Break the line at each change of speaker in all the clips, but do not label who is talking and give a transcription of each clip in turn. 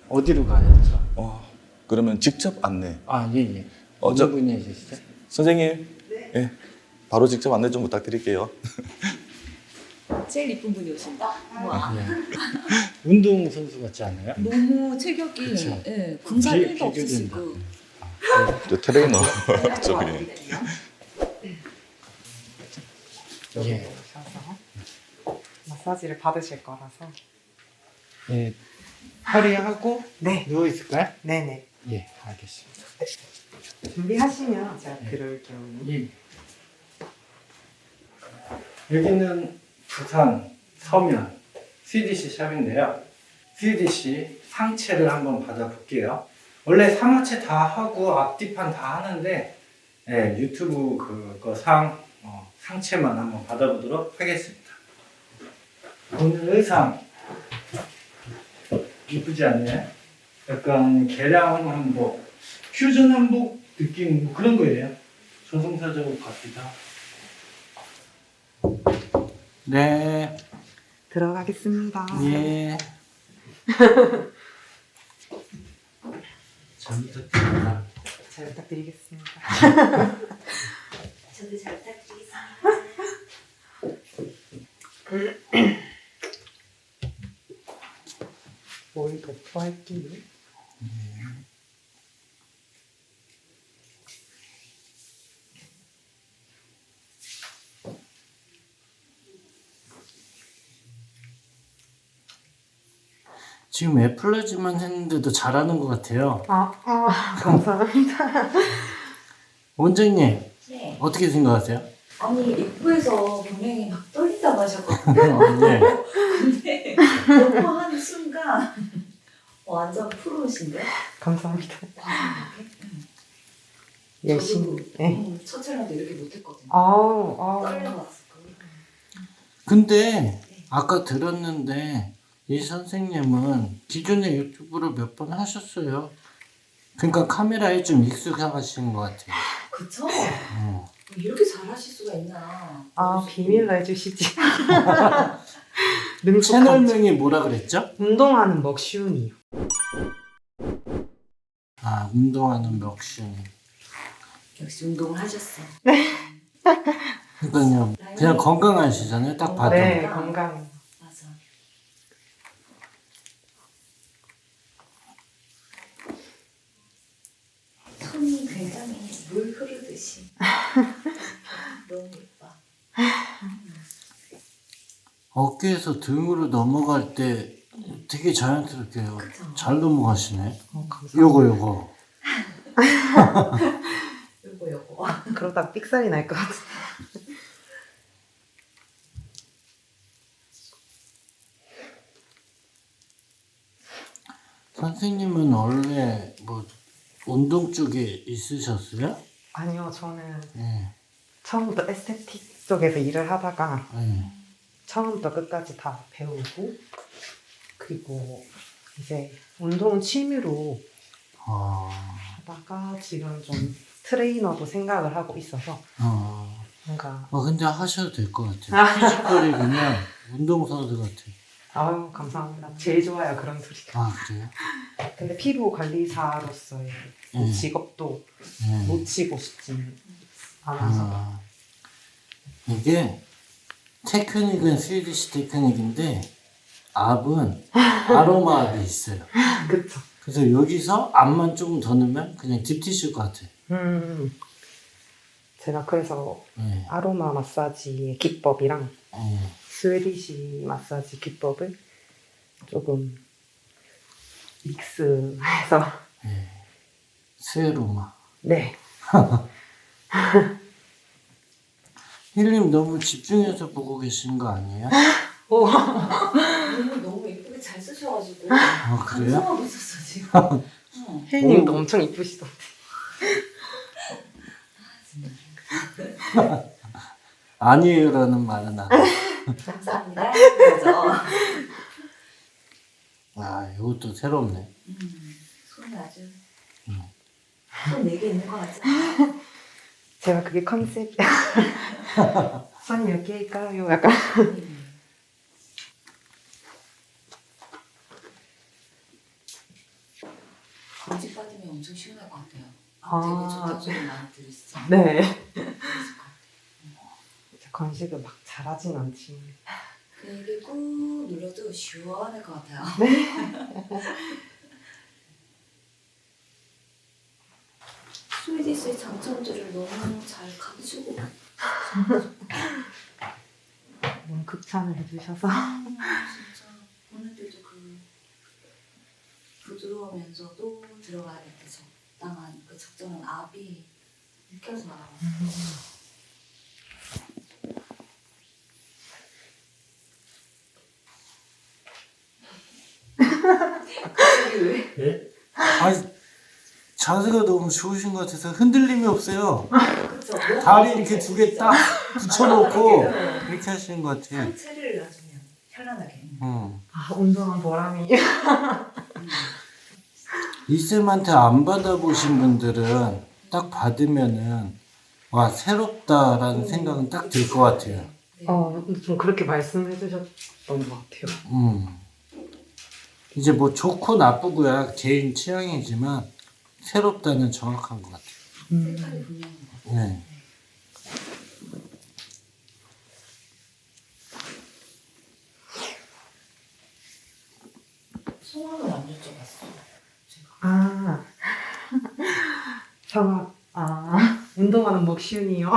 어디로 가야죠?
그러면 직접 안내.
아, 예, 예.
저-
어느 분이시죠?
선생님, 예, 바로 직접 안내 좀 부탁드릴게요.
제일 이쁜 분이 오신다. 와.
예. 운동선수 같지 않아요?
너무 체격이
그쵸.
예, 군살
비-
1도
비교된다.
없으시고.
저 트레이너 저기.
예.
오셔서 마사지를 받으실 거라서.
예. 허리하고
네.
누워 있을까요?
네네.
예, 알겠습니다.
준비하시면 제가 들어올게요.
예. 여기는 부산 서면 CDC 샵인데요. CDC 상체를 한번 받아볼게요. 원래 상하체 다 하고 앞뒤판 다 하는데 유튜브 그거 상체만 한번 받아보도록 하겠습니다. 오늘 의상 이쁘지 않나요? 약간 개량 한복, 퓨전 한복 느낌 뭐 그런 거예요. 저승사 작업 같기도 하고. 네,
들어가겠습니다.
예. 잘 부탁드립니다.
잘 부탁드리겠습니다.
저도 잘 부탁드리겠습니다.
뭘 덮어할게요.
지금 애플라지만 했는데도 잘하는 것 같아요.
감사합니다.
원장님,
네.
어떻게 생각하세요?
아니 입구에서 분명히 막 떨린다고 하셨거든요.
네.
근데 너무 하는 순간 완전 프로신데?
감사합니다.
와,
열심히. 네.
첫 촬영도 이렇게 못했거든요.
아우.
근데 아까 들었는데 이 선생님은 기존에 유튜브를 몇 번 하셨어요. 그러니까 카메라에 좀 익숙하신 것 같아요.
그쵸?
어.
이렇게 잘하실 수가 있나?
비밀로 해주시지.
채널명이 뭐라 그랬죠?
운동하는 먹쉬운이요.
아, 운동하는 멱신.
역시 운동을 하셨어.
그러니까요, 그냥 건강하시잖아요. 딱 봐도.
네, 건강.
맞아. 손이 굉장히 물 흐르듯이. 너무 예뻐.
어깨에서 등으로 넘어갈 때 되게 자연스럽게
그쵸.
잘 넘어가시네.
감사합니다.
요거.
요거.
그러다 삑살이 날 것 같아.
선생님은 원래 뭐 운동 쪽에 있으셨어요?
아니요, 저는
네.
처음부터 에스테틱 쪽에서 일을 하다가
네.
처음부터 끝까지 다 배우고, 그리고 이제 운동은 취미로 하다가 지금 좀 트레이너도 생각을 하고 있어서 뭔가.
근데 하셔도 될 것 같아요. 피지컬이 그냥 운동선수 같아요.
아유, 감사합니다. 제일 좋아요, 그런 소리가.
아, 그래요?
근데 피부 관리사로서의
네.
직업도
네.
놓치고 싶지는 않아서.
이게 테크닉은 스위디시 테크닉인데 압은 아로마 압이 있어요.
그쵸.
그래서 여기서 압만 조금 더 넣으면 그냥 딥티슈 같아요.
제가 그래서
네.
아로마 마사지의 기법이랑
네.
스웨디시 마사지 기법을 조금 믹스해서.
네. 스웨로마.
네.
힐님 너무 집중해서 보고 계시는 거 아니에요?
너무 예쁘게 잘 쓰셔가지고.
아, 그래요?
감상하고 있었어, 지금.
혜인님도 엄청 이쁘시던데.
아니에요라는 말은 안 해요.
감사합니다. 그죠?
아, 이것도 새롭네.
손이 아주. 손 4개 있는 것 같지?
제가 그게 컨셉이야. 손 몇 개일까요? 약간.
전지 받으면 엄청 시원할 것 같아요.
아.
되게 좋다는 소리 많이 들으시죠?
네.
그랬을 것 같아요.
건식을 막 잘하진 않지만.
이게 꾹 눌러도 시원할 것 같아요. 스위디스의 장점들을 너무 잘 가지고
너무 극찬을 해주셔서.
진짜 오늘들도 그 부드러우면서도 들어가야 될 때 적당한 그 적절한 압이 느껴서 나와요. 갑자기 왜?
예? 아니 자세가 너무 좋으신 것 같아서 흔들림이 없어요.
그쵸?
다리 이렇게 두 개 딱 붙여놓고 이렇게 하시는 것 같아요.
상체를 놔주면 편안하게.
아, 운동한 보람이.
이쌤한테 안 받아보신 분들은 딱 받으면은 와 새롭다라는 생각은 딱 들 것 같아요.
좀 그렇게 말씀해 주셨던 것 같아요.
이제 뭐 좋고 나쁘고야 개인 취향이지만 새롭다는 정확한 것 같아요.
색깔이 분명한 것 같아요.
네.
성함을 안 여쭤봤어. 제가.
아, 성악. 운동하는 목슌이요.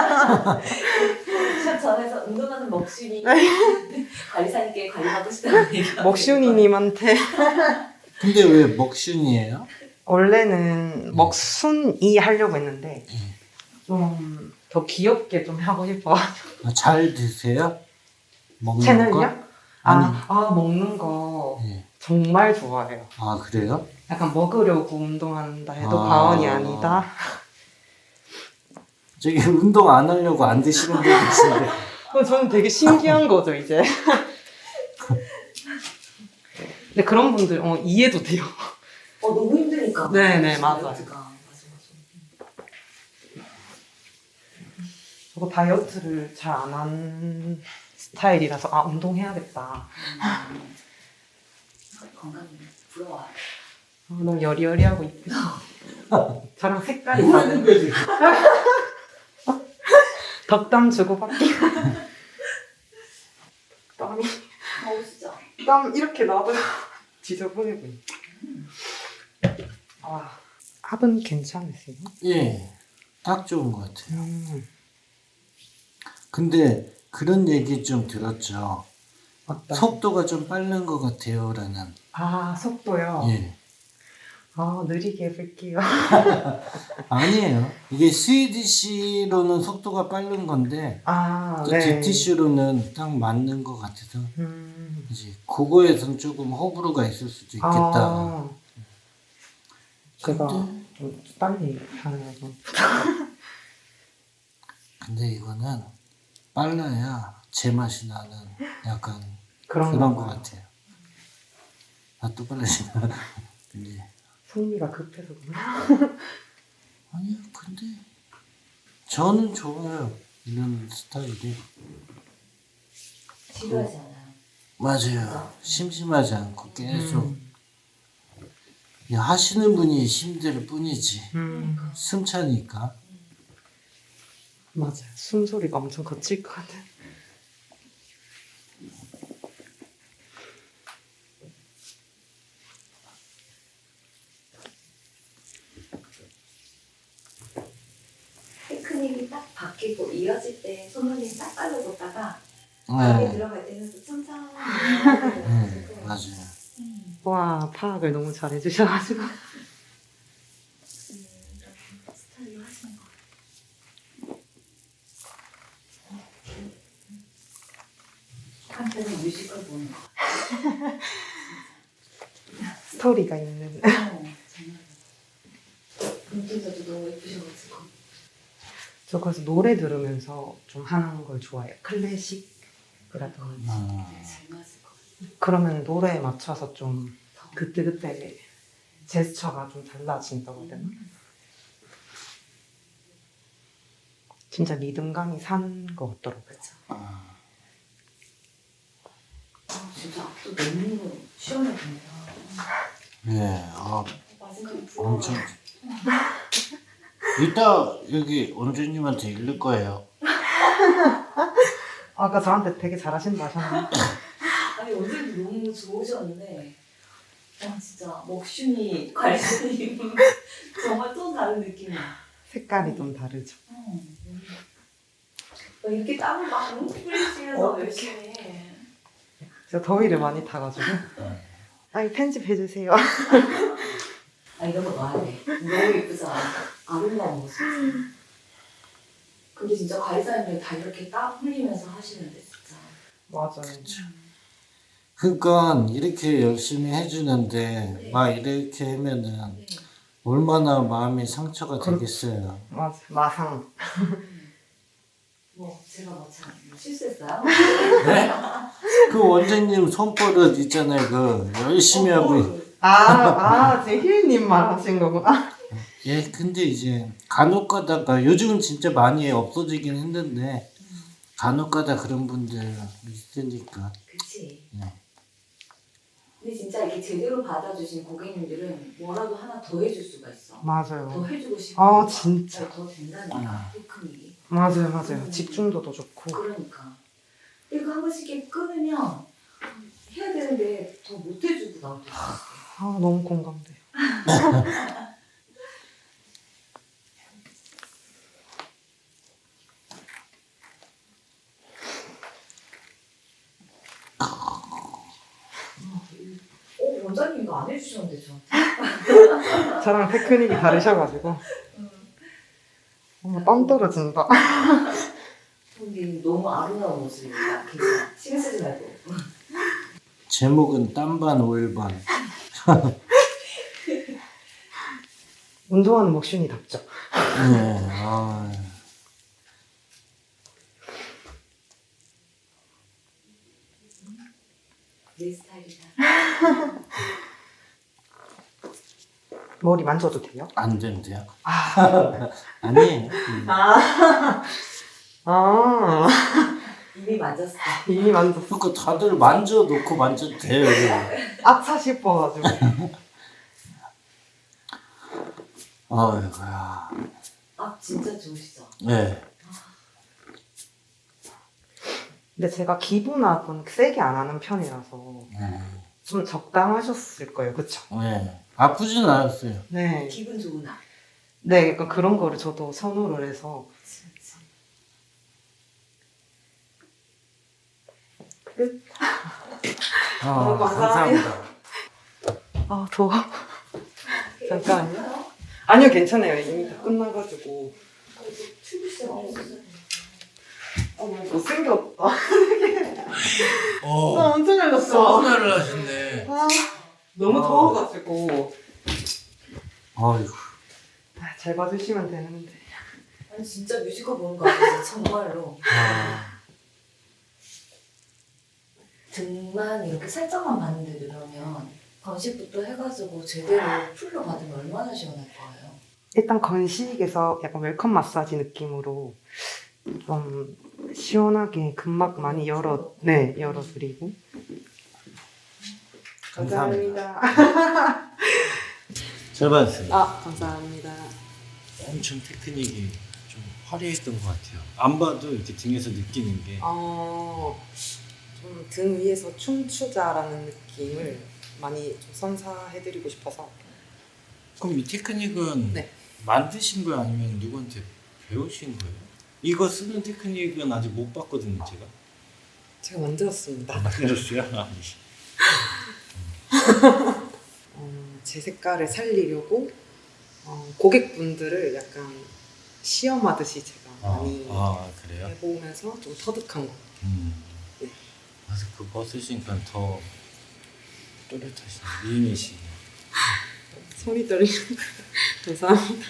샵 전에서 운동하는 먹순이 관리사님께 관리받고 싶다는 얘기가
먹순이님한테.
근데 왜 먹순이에요?
원래는 먹순이 하려고 했는데 좀 더 귀엽게 좀 하고 싶어.
잘 드세요? 먹는
채널요?
거? 아니.
먹는 거
예.
정말 좋아해요.
아 그래요?
약간 먹으려고 운동한다 해도
아.
과언이 아니다.
저기 운동 안 하려고 안 드시는 분들 계신데
저는 되게 신기한 거죠 이제. 근데 그런 분들 이해도 돼요.
너무 힘드니까.
네네, 맞아요.
맞아.
저거 다이어트를 잘 안 한 스타일이라서 운동해야겠다.
건강이 부러워요.
너무 여리여리하고 이쁘죠. 저랑 색깔이 다른. 덕담 주고받기. 땀이
더우시죠?
땀 이렇게 나도 지저분해 보여. 합은 괜찮으세요?
예, 딱 좋은 것 같아요. 근데 그런 얘기 좀 들었죠.
어떤?
속도가 좀 빠른 것 같아요라는.
속도요?
예.
느리게 해볼게요.
아니에요. 이게 스위디시로는 속도가 빠른 건데 또
네.
DTC로는 딱 맞는 것 같아서 이제 그거에선 조금 호불호가 있을 수도 있겠다.
제가
근데,
좀 빨리 하는 거.
근데 이거는 빨라야 제맛이 나는 약간
그런
것
건가요?
같아요. 또 빨라지나? 근데
성미가 급해서 그런가?
아니요, 근데 저는 좋아요. 이런 스타일이.
지루하지 않아요.
맞아요. 심심하지 않고 계속 하시는 분이 힘들 뿐이지. 숨 차니까.
맞아요. 숨소리가 엄청 거칠 것 같아요.
테크닉이 딱 바뀌고 이어질 때 손놀림 딱 빨라졌다가 안에
네,
들어갈 때는 또 천천히
맞아요.
와, 파악을 너무 잘 해주셔가지고.
스타일로 하시는 거 한편의 뮤지컬 보는 거
스토리가 있는.
정말 눈동자도 너무 예쁘셔가지고
저 그래서 노래 들으면서 좀 하는 걸 좋아해요. 클래식이라든지.
되게 잘 맞을 것 같아요.
그러면 노래에 맞춰서 좀 그때그때 제스처가 좀 달라진다고 해야 되나? 진짜 리듬감이 산 것 같더라고요.
진짜 앞도 너무 시원해 보여요.
예,
맞을 생각이
엄청. 이따 여기 원주님한테 읽을 거예요.
아까 저한테 되게 잘하신다 하셨는데.
아니 원장님 너무 좋으셨는데 진짜 먹순이 관련이 정말 또 다른 느낌이야.
색깔이 좀 다르죠.
이렇게 땀을 막 뿌리시면서 열심히 해.
제가 더위를 많이 타가지고. 아니 편집해주세요.
이런 거 놔야 돼. 너무 예쁘잖아. 아름다운 모습. 근데 진짜 관리사님들 다 이렇게 땀 흘리면서 하시는데 진짜.
맞아요.
그러니까 이렇게 열심히 해주는데 막 이렇게 하면은
네.
얼마나 마음이 상처가 되겠어요.
맞아. 마상.
제가 참 실수했어요?
네? 그 원장님 손버릇 있잖아요. 그 열심히 하고.
제 힐님 말하신 거구나.
예, 근데 이제 간혹 가다가 요즘은 진짜 많이 없어지긴 했는데 간혹 가다 그런 분들 있으니까.
그치.
네.
근데 진짜 이렇게 제대로 받아주신 고객님들은 뭐라도 하나 더 해줄 수가 있어. 더
맞아요.
해주고 싶은
아,
거야.
진짜.
더 된다니까 테크닉이.
맞아요. 집중도도 좋고.
그러니까 이거 한 번씩 이렇게 끊으면 해야 되는데 더 못 해주고 나올 때 있어.
아 너무 공감돼요.
원장님 이거 안 해주셨는데 저한테.
저랑 테크닉이 다르셔가지고. 땀 떨어진다.
근데 너무 아름다운 모습입니다. 괜찮아. 신경 쓰지 말고.
제목은 땀반 올반.
운동하는 먹순이답죠.
네. 아.
내 스타일이다.
머리 만져도 돼요?
안 된대요.
아.
아니.
이미 만졌어.
이미 만졌어.
그러니까 다들 만져놓고 만져도 돼요.
아차 싶어가지고.
아이고야.
진짜 좋으시죠?
네.
근데 제가 기분압은 세게 안 하는 편이라서 좀 적당하셨을 거예요. 그쵸?
네. 아프진 않았어요.
네.
기분 좋은 날.
네, 약간 그런 거를 저도 선호를 해서.
진짜.
끝.
아,
감사합니다.
감사합니다.
더워. 잠깐만요. 아니요, 괜찮아요. 이미 다 끝나가지고.
출근 시간 없었어요.
못생겼다. 엄청 열렸어.
사우나를 하셨네.
너무
아.
더워가지고.
아이고.
잘 봐주시면 되는데.
아니 진짜 뮤지컬 보는 거 아니에요? 정말로. 등만 이렇게 살짝만 봤는데 그러면 건식부터 해가지고 제대로 풀로 받으면 얼마나 시원할 거예요?
일단 건식에서 약간 웰컴 마사지 느낌으로 좀 시원하게 근막 많이 열어드리고.
감사합니다. 잘 봤습니다.
감사합니다.
엄청 테크닉이 좀 화려했던 것 같아요. 안 봐도 이렇게 등에서 느끼는 게.
좀 등 위에서 춤추자라는 느낌을 많이 좀 선사해드리고 싶어서.
그럼 이 테크닉은
네.
만드신 거예요? 아니면 누구한테 배우신 거예요? 이거 쓰는 테크닉은 아직 못 봤거든요, 제가.
제가 만들었습니다.
만들었어요?
제 색깔을 살리려고 고객분들을 약간 시험하듯이 제가 많이
그래요?
해보면서 좀 터득한 거. 네.
그래서 그거 쓰시니까 더 또렷하시네. 미인이시네.
손이 떨리는. 감사합니다.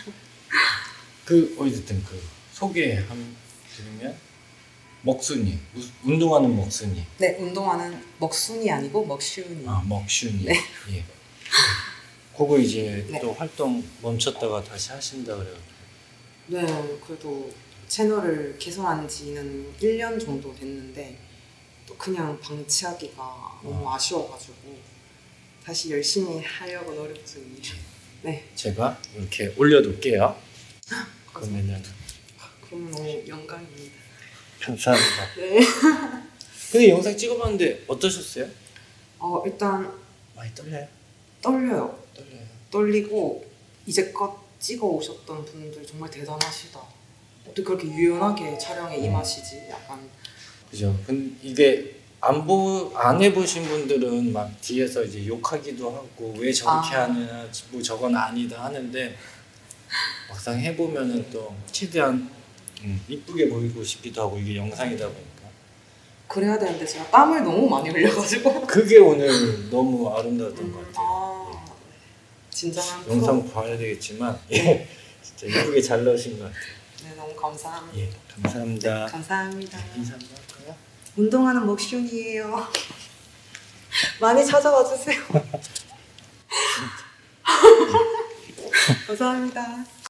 어쨌든 소개한 드리면 먹순이, 운동하는 먹순이.
네, 운동하는 먹순이 아니고 먹쉬운이.
먹순이.
네.
예. 그거 이제
네.
또 활동 멈췄다가 다시 하신다 그래요.
네, 그래도 채널을 개설한 지는 1년 정도 됐는데 또 그냥 방치하기가 너무 아쉬워가지고 다시 열심히 하려고 노력 중이에요. 네.
제가 이렇게 올려둘게요. 그러면은
그럼 너무 영광입니다.
감사합니다.
네.
근데 영상 찍어봤는데 어떠셨어요?
일단
많이 떨려요?
떨려요.
떨려요.
떨리고 이제껏 찍어 오셨던 분들 정말 대단하시다. 어떻게 그렇게 유연하게 촬영에 임하시지? 약간
그죠. 근데 이게 안 해보신 분들은 막 뒤에서 이제 욕하기도 하고 왜 저렇게 하느냐, 뭐 저건 아니다 하는데 막상 해보면은 또 최대한 이쁘게 보이고 싶기도 하고 이게 영상이다 보니까
그래야 되는데 제가 땀을 너무 많이 흘려가지고
그게 오늘 너무 아름다웠던 것 같아요.
진정한
영상 봐야 되겠지만 예, 진짜 이쁘게 잘 나오신 것 같아요.
네, 너무 감사합니다.
예, 감사합니다.
감사합니다.
인사 한번 할까요?
운동하는 목슌이에요. 많이 찾아와 주세요. 감사합니다.